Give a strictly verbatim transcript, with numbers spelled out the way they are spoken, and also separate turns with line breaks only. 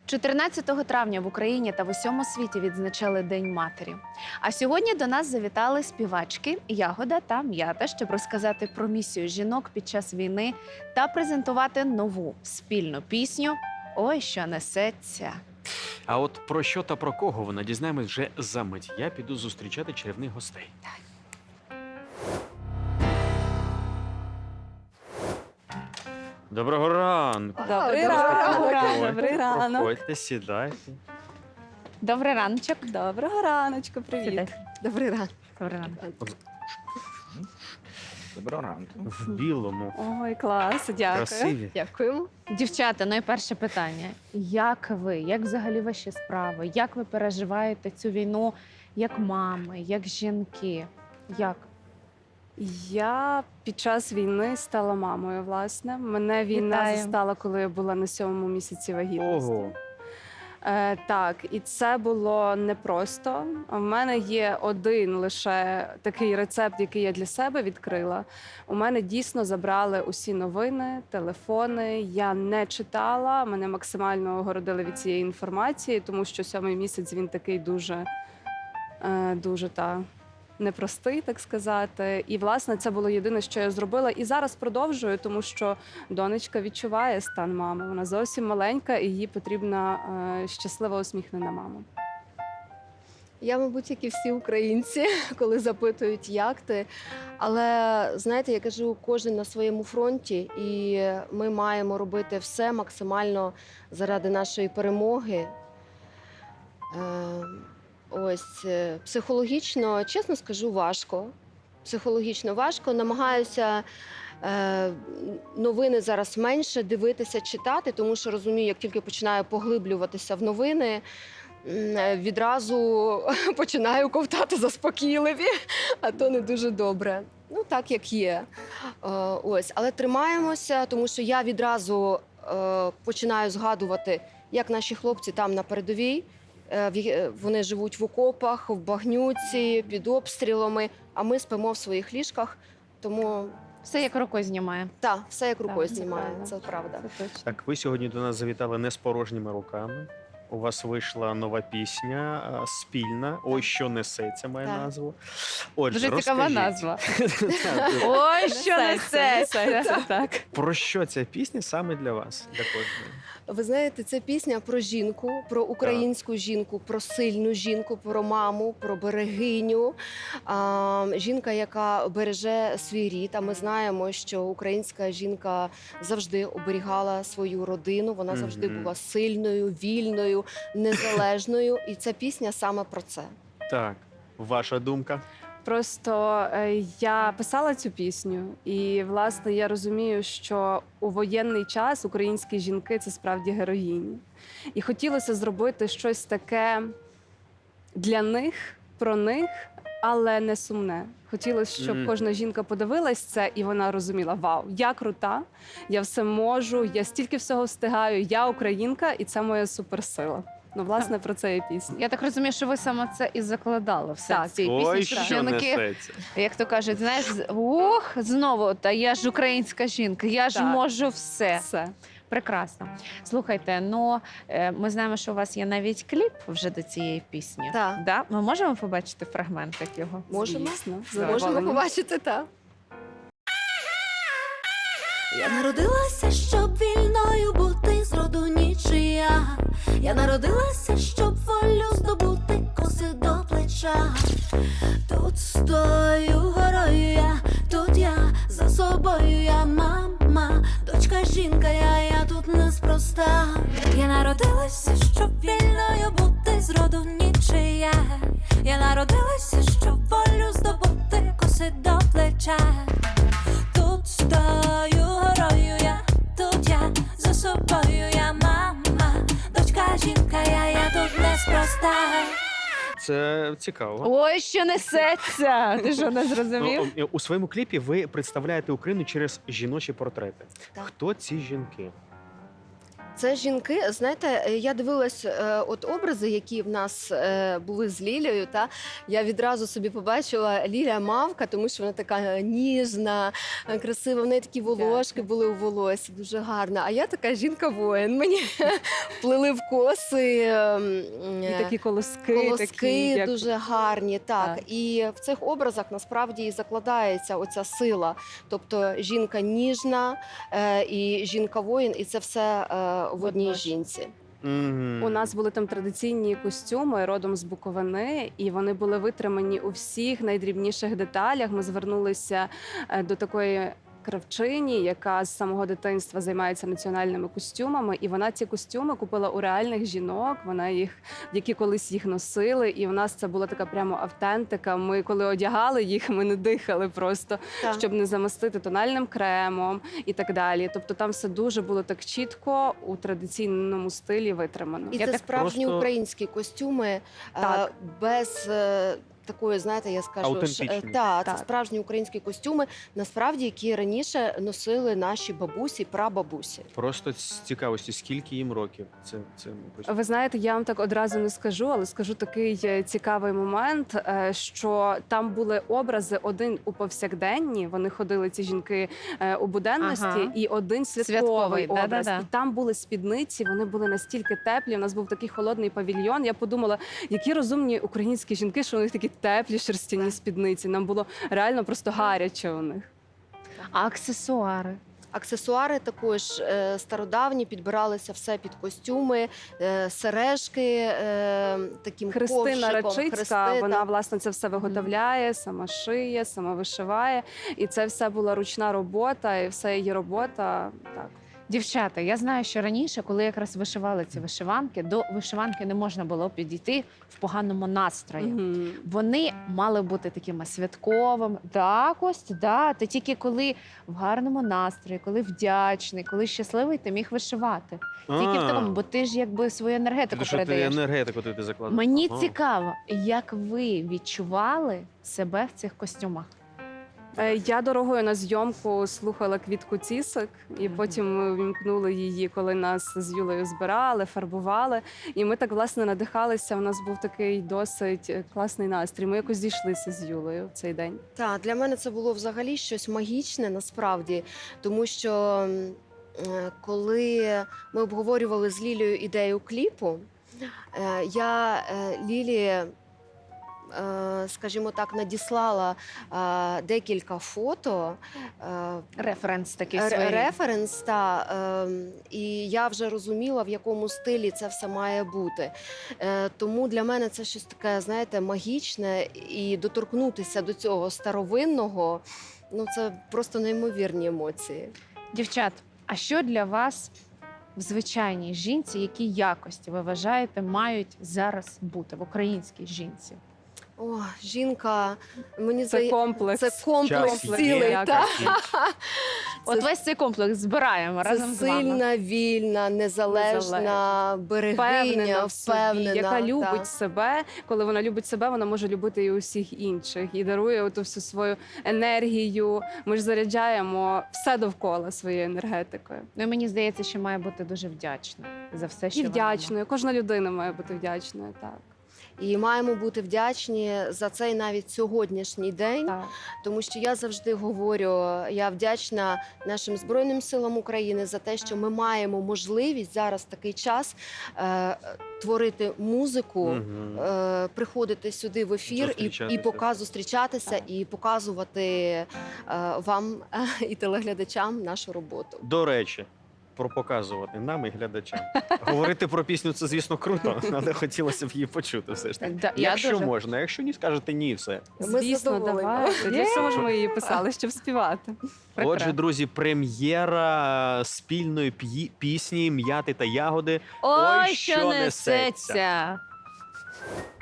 чотирнадцятого травня в Україні та в усьому світі відзначали День матері. А сьогодні до нас завітали співачки Ягода та М'ята, щоб розказати про місію жінок під час війни та презентувати нову спільну пісню «Ой, що несеться».
А от про що та про кого вона дізнаємось вже за мить. Я піду зустрічати чарівних гостей. Доброго ранку.
Добрий
Доброго
ранок.
ранку.
Добрий ранок.
Проходьте, сідайте.
Добрий раночок.
Доброго раночку, привіт.
Сідай.
Добрий ранок.
Добрий ранок.
Доброго ранку.
В білому.
Ой, клас, дякую.
Красиві.
Дякуємо.
Дівчата, найперше питання. Як ви? Як взагалі ваші справи? Як ви переживаєте цю війну як мами, як жінки? Як?
Я під час війни стала мамою, власне. Мене війна
Вітаю.
застала, коли я була на сьомому місяці вагітності.
Ого.
Е, так, і це було непросто. У мене є один лише такий рецепт, який я для себе відкрила. У мене дійсно забрали усі новини, телефони. Я не читала, мене максимально огородили від цієї інформації, тому що сьомий місяць він такий дуже, е, дуже та. непростий, так сказати. І, власне, це було єдине, що я зробила. І зараз продовжую, тому що донечка відчуває стан мами. Вона зовсім маленька, і їй потрібна е, щаслива, усміхнена мама.
Я, мабуть, як і всі українці, коли запитують, як ти. Але, знаєте, я кажу, кожен на своєму фронті, і ми маємо робити все максимально заради нашої перемоги. Е, Ось, е, психологічно, чесно скажу, важко. Психологічно важко. Намагаюся е, новини зараз менше дивитися, читати, тому що розумію, як тільки починаю поглиблюватися в новини, м, відразу починаю ковтати заспокійливі, а то не дуже добре. Ну, так, як є. Е, ось. Але тримаємося, тому що я відразу е, починаю згадувати, як наші хлопці там на передовій. Е, в є- Вони живуть в окопах, в багнюці, під обстрілами, а ми спимо в своїх ліжках. Тому
Все як рукою знімає.
так, все як рукою
це
знімає,
правда.
це правда.
Це точно.
Так, ви сьогодні до нас завітали не з порожніми руками. У вас вийшла нова пісня а, спільна. Ой, що несеться, має
Так.
назву. Отже,
Дуже цікава
розкажіть.
назва.
Так,
Ой, що
Несеться,
несеться.
несеться, так.
Про що ця пісня саме для вас? Для кожної?
Ви знаєте, це пісня про жінку, про українську жінку, про сильну жінку, про маму, про берегиню. А, жінка, яка береже свій рід. А ми знаємо, що українська жінка завжди оберігала свою родину. Вона завжди
Мгм.
була сильною, вільною, незалежною. І ця пісня саме про це.
Так, ваша думка?
Просто е, я писала цю пісню, і власне я розумію, що у воєнний час українські жінки це справді героїні. І хотілося зробити щось таке для них, про них, але не сумне. Хотілося, щоб
Мгм.
кожна жінка подивилась це, і вона розуміла: вау, я крута, я все можу, я стільки всього встигаю, я українка, і це моя суперсила. Ну, власне, про це і пісня.
Я так розумію, що ви саме це і закладали все
Так.
в цій
Ой,
пісні, щоб
що
жінки,
несеться.
як то кажуть, знаєш, з- ох, знову, та я ж українська жінка, я ж
Так.
можу все.
Все.
Прекрасно. Слухайте, ну е, ми знаємо, що у вас є навіть кліп вже до цієї пісні.
Так.
Да? Ми можемо побачити фрагментик його?
Можемо?
Звісно, з
Можемо
задоволенням.
побачити, так.
Я народилася, щоб вільною бути зроду нічия. Я народилася, щоб волю здобути, коси до плеча. Тут стою горою я, тут я за собою я мама, дочка жінка, я, я тут неспроста. Я народилася, щоб вільною бути зроду нічия. Я народилася, щоб волю здобути, коси до плеча. Тут стою горою я, тут я за собою я мама, дочка жінка, я, я тут неспроста.
Це цікаво.
Ой, що несеться! Ти що, не зрозумів?
Ну, у своєму кліпі ви представляєте Україну через жіночі портрети.
Так.
Хто ці жінки?
Це жінки, знаєте, е, я дивилась е, от образи, які в нас е, були з Лілією. Та я відразу собі побачила Лілія мавка, тому що вона така ніжна, е, красива. В неї такі волошки були у волосі, дуже гарна. А я така жінка-воїн. Мені плели в коси. е,
І
е,
такі колоски,
Колоски
такі, як...
дуже гарні, так.
Так.
І в цих образах насправді і закладається оця сила. Тобто жінка ніжна е, і жінка-воїн, і це все е, в одній
Водночас.
жінці.
Мгм.
У нас були там традиційні костюми родом з Буковини, і вони були витримані у всіх найдрібніших деталях. Ми звернулися е, до такої кравчині, яка з самого дитинства займається національними костюмами, і вона ці костюми купила у реальних жінок. Вона їх, які колись їх носили, і в нас це була така прямо автентика. Ми коли одягали їх, ми не дихали просто,
Так.
щоб не замастити тональним кремом і так далі. Тобто там все дуже було так чітко у традиційному стилі витримано.
І
Я
це
так
справжні
просто-
українські костюми е,
Так.
без е, такої, знаєте, я скажу, ш-
Аутентичні.
е, та, це
Так.
справжні українські костюми, насправді, які раніше носили наші бабусі, прабабусі.
Просто з цікавості, скільки їм років? Це, це мабуть.
Ви знаєте, я вам так одразу не скажу, але скажу такий е, цікавий момент, е, що там були образи один у повсякденні. Вони ходили ці жінки е, у буденності,
Ага.
і один святковий,
Святковий,
образ.
да-да-да.
І там були спідниці, вони були настільки теплі. У нас був такий холодний павільйон. Я подумала, які розумні українські жінки, що у них такі теплі шерстяні спідниці. Нам було реально просто гаряче у них.
А аксесуари?
Аксесуари також е, стародавні, підбиралися все під костюми, е, сережки е, таким
Христина
ковшиком.
Рачицька,
хрести,
вона
так.
власне це все виготовляє, сама шиє, сама вишиває. І це все була ручна робота, і все її робота. Так.
Дівчата, я знаю, що раніше, коли якраз вишивали ці вишиванки, до вишиванки не можна було підійти в поганому настрої.
Мгм.
Вони мали бути такими святковими. Так, ось, да. Ти тільки коли в гарному настрої, коли вдячний, коли щасливий, ти міг вишивати. Тільки в такому, бо ти ж якби свою енергетику
Ти що ти
передаєш.
енергетику ти закладаєш?
Мені
Ага.
цікаво, як ви відчували себе в цих костюмах?
Е, Я дорогою на зйомку слухала Квітку Цісик, і
Мгм.
потім ми вімкнули її, коли нас з Юлею збирали, фарбували. І ми так власне надихалися. У нас був такий досить е, класний настрій. Ми якось зійшлися з Юлею в цей день.
Так, для мене це було взагалі щось магічне насправді, тому що м, е, коли ми обговорювали з Лілією ідею кліпу, е, я е, Лілі, е, скажімо так, надіслала е, декілька фото. е,
Референс такий
Ре-
свій.
Референс, та, ем, і я вже розуміла, в якому стилі це все має бути. Е, тому для мене це щось таке, знаєте, магічне, і доторкнутися до цього старовинного, ну це просто неймовірні емоції.
Дівчат, а що для вас в звичайній жінці, які якості ви вважаєте мають зараз бути в українській жінці?
О, жінка, мені
Це
здається,
комплекс.
це комплекс
Час
цілий.
є,
Та?
От весь цей комплекс збираємо
Це
разом з вами.
сильна, вільна, незалежна,
Впевнена
берегиня,
в собі,
впевнена,
яка любить
та.
себе. Коли вона любить себе, вона може любити і усіх інших і дарує оту всю свою енергію. Ми ж заряджаємо все довкола своєю енергетикою.
Ну і мені здається, що має бути дуже вдячна за все, що
І
вона
вдячною. Кожна людина має бути вдячною. Так.
І маємо бути вдячні за цей навіть сьогоднішній день.
так.
Тому що я завжди говорю, я вдячна нашим Збройним силам України за те, що ми маємо можливість зараз в такий час е, творити музику,
Мгм.
е, приходити сюди в ефір і, і
Зустрічатися.
пока зустрічатися
Так.
і показувати е, вам е, і телеглядачам нашу роботу.
До речі, про показувати нам і глядачам. Говорити про пісню це, звісно, круто, але хотілося б її почути все ж таки.
Да, я
Якщо
дуже-
можна, якщо ні, скажете ні, все.
Ми
Звісно,
задоволені.
давайте. Для цього ж ми її писали, щоб співати.
Прекрасно.
Отже, друзі, прем'єра спільної п'ї- пісні «М'яти та ягоди».
Ой,
Ой,
що
що
несеться!
несеться!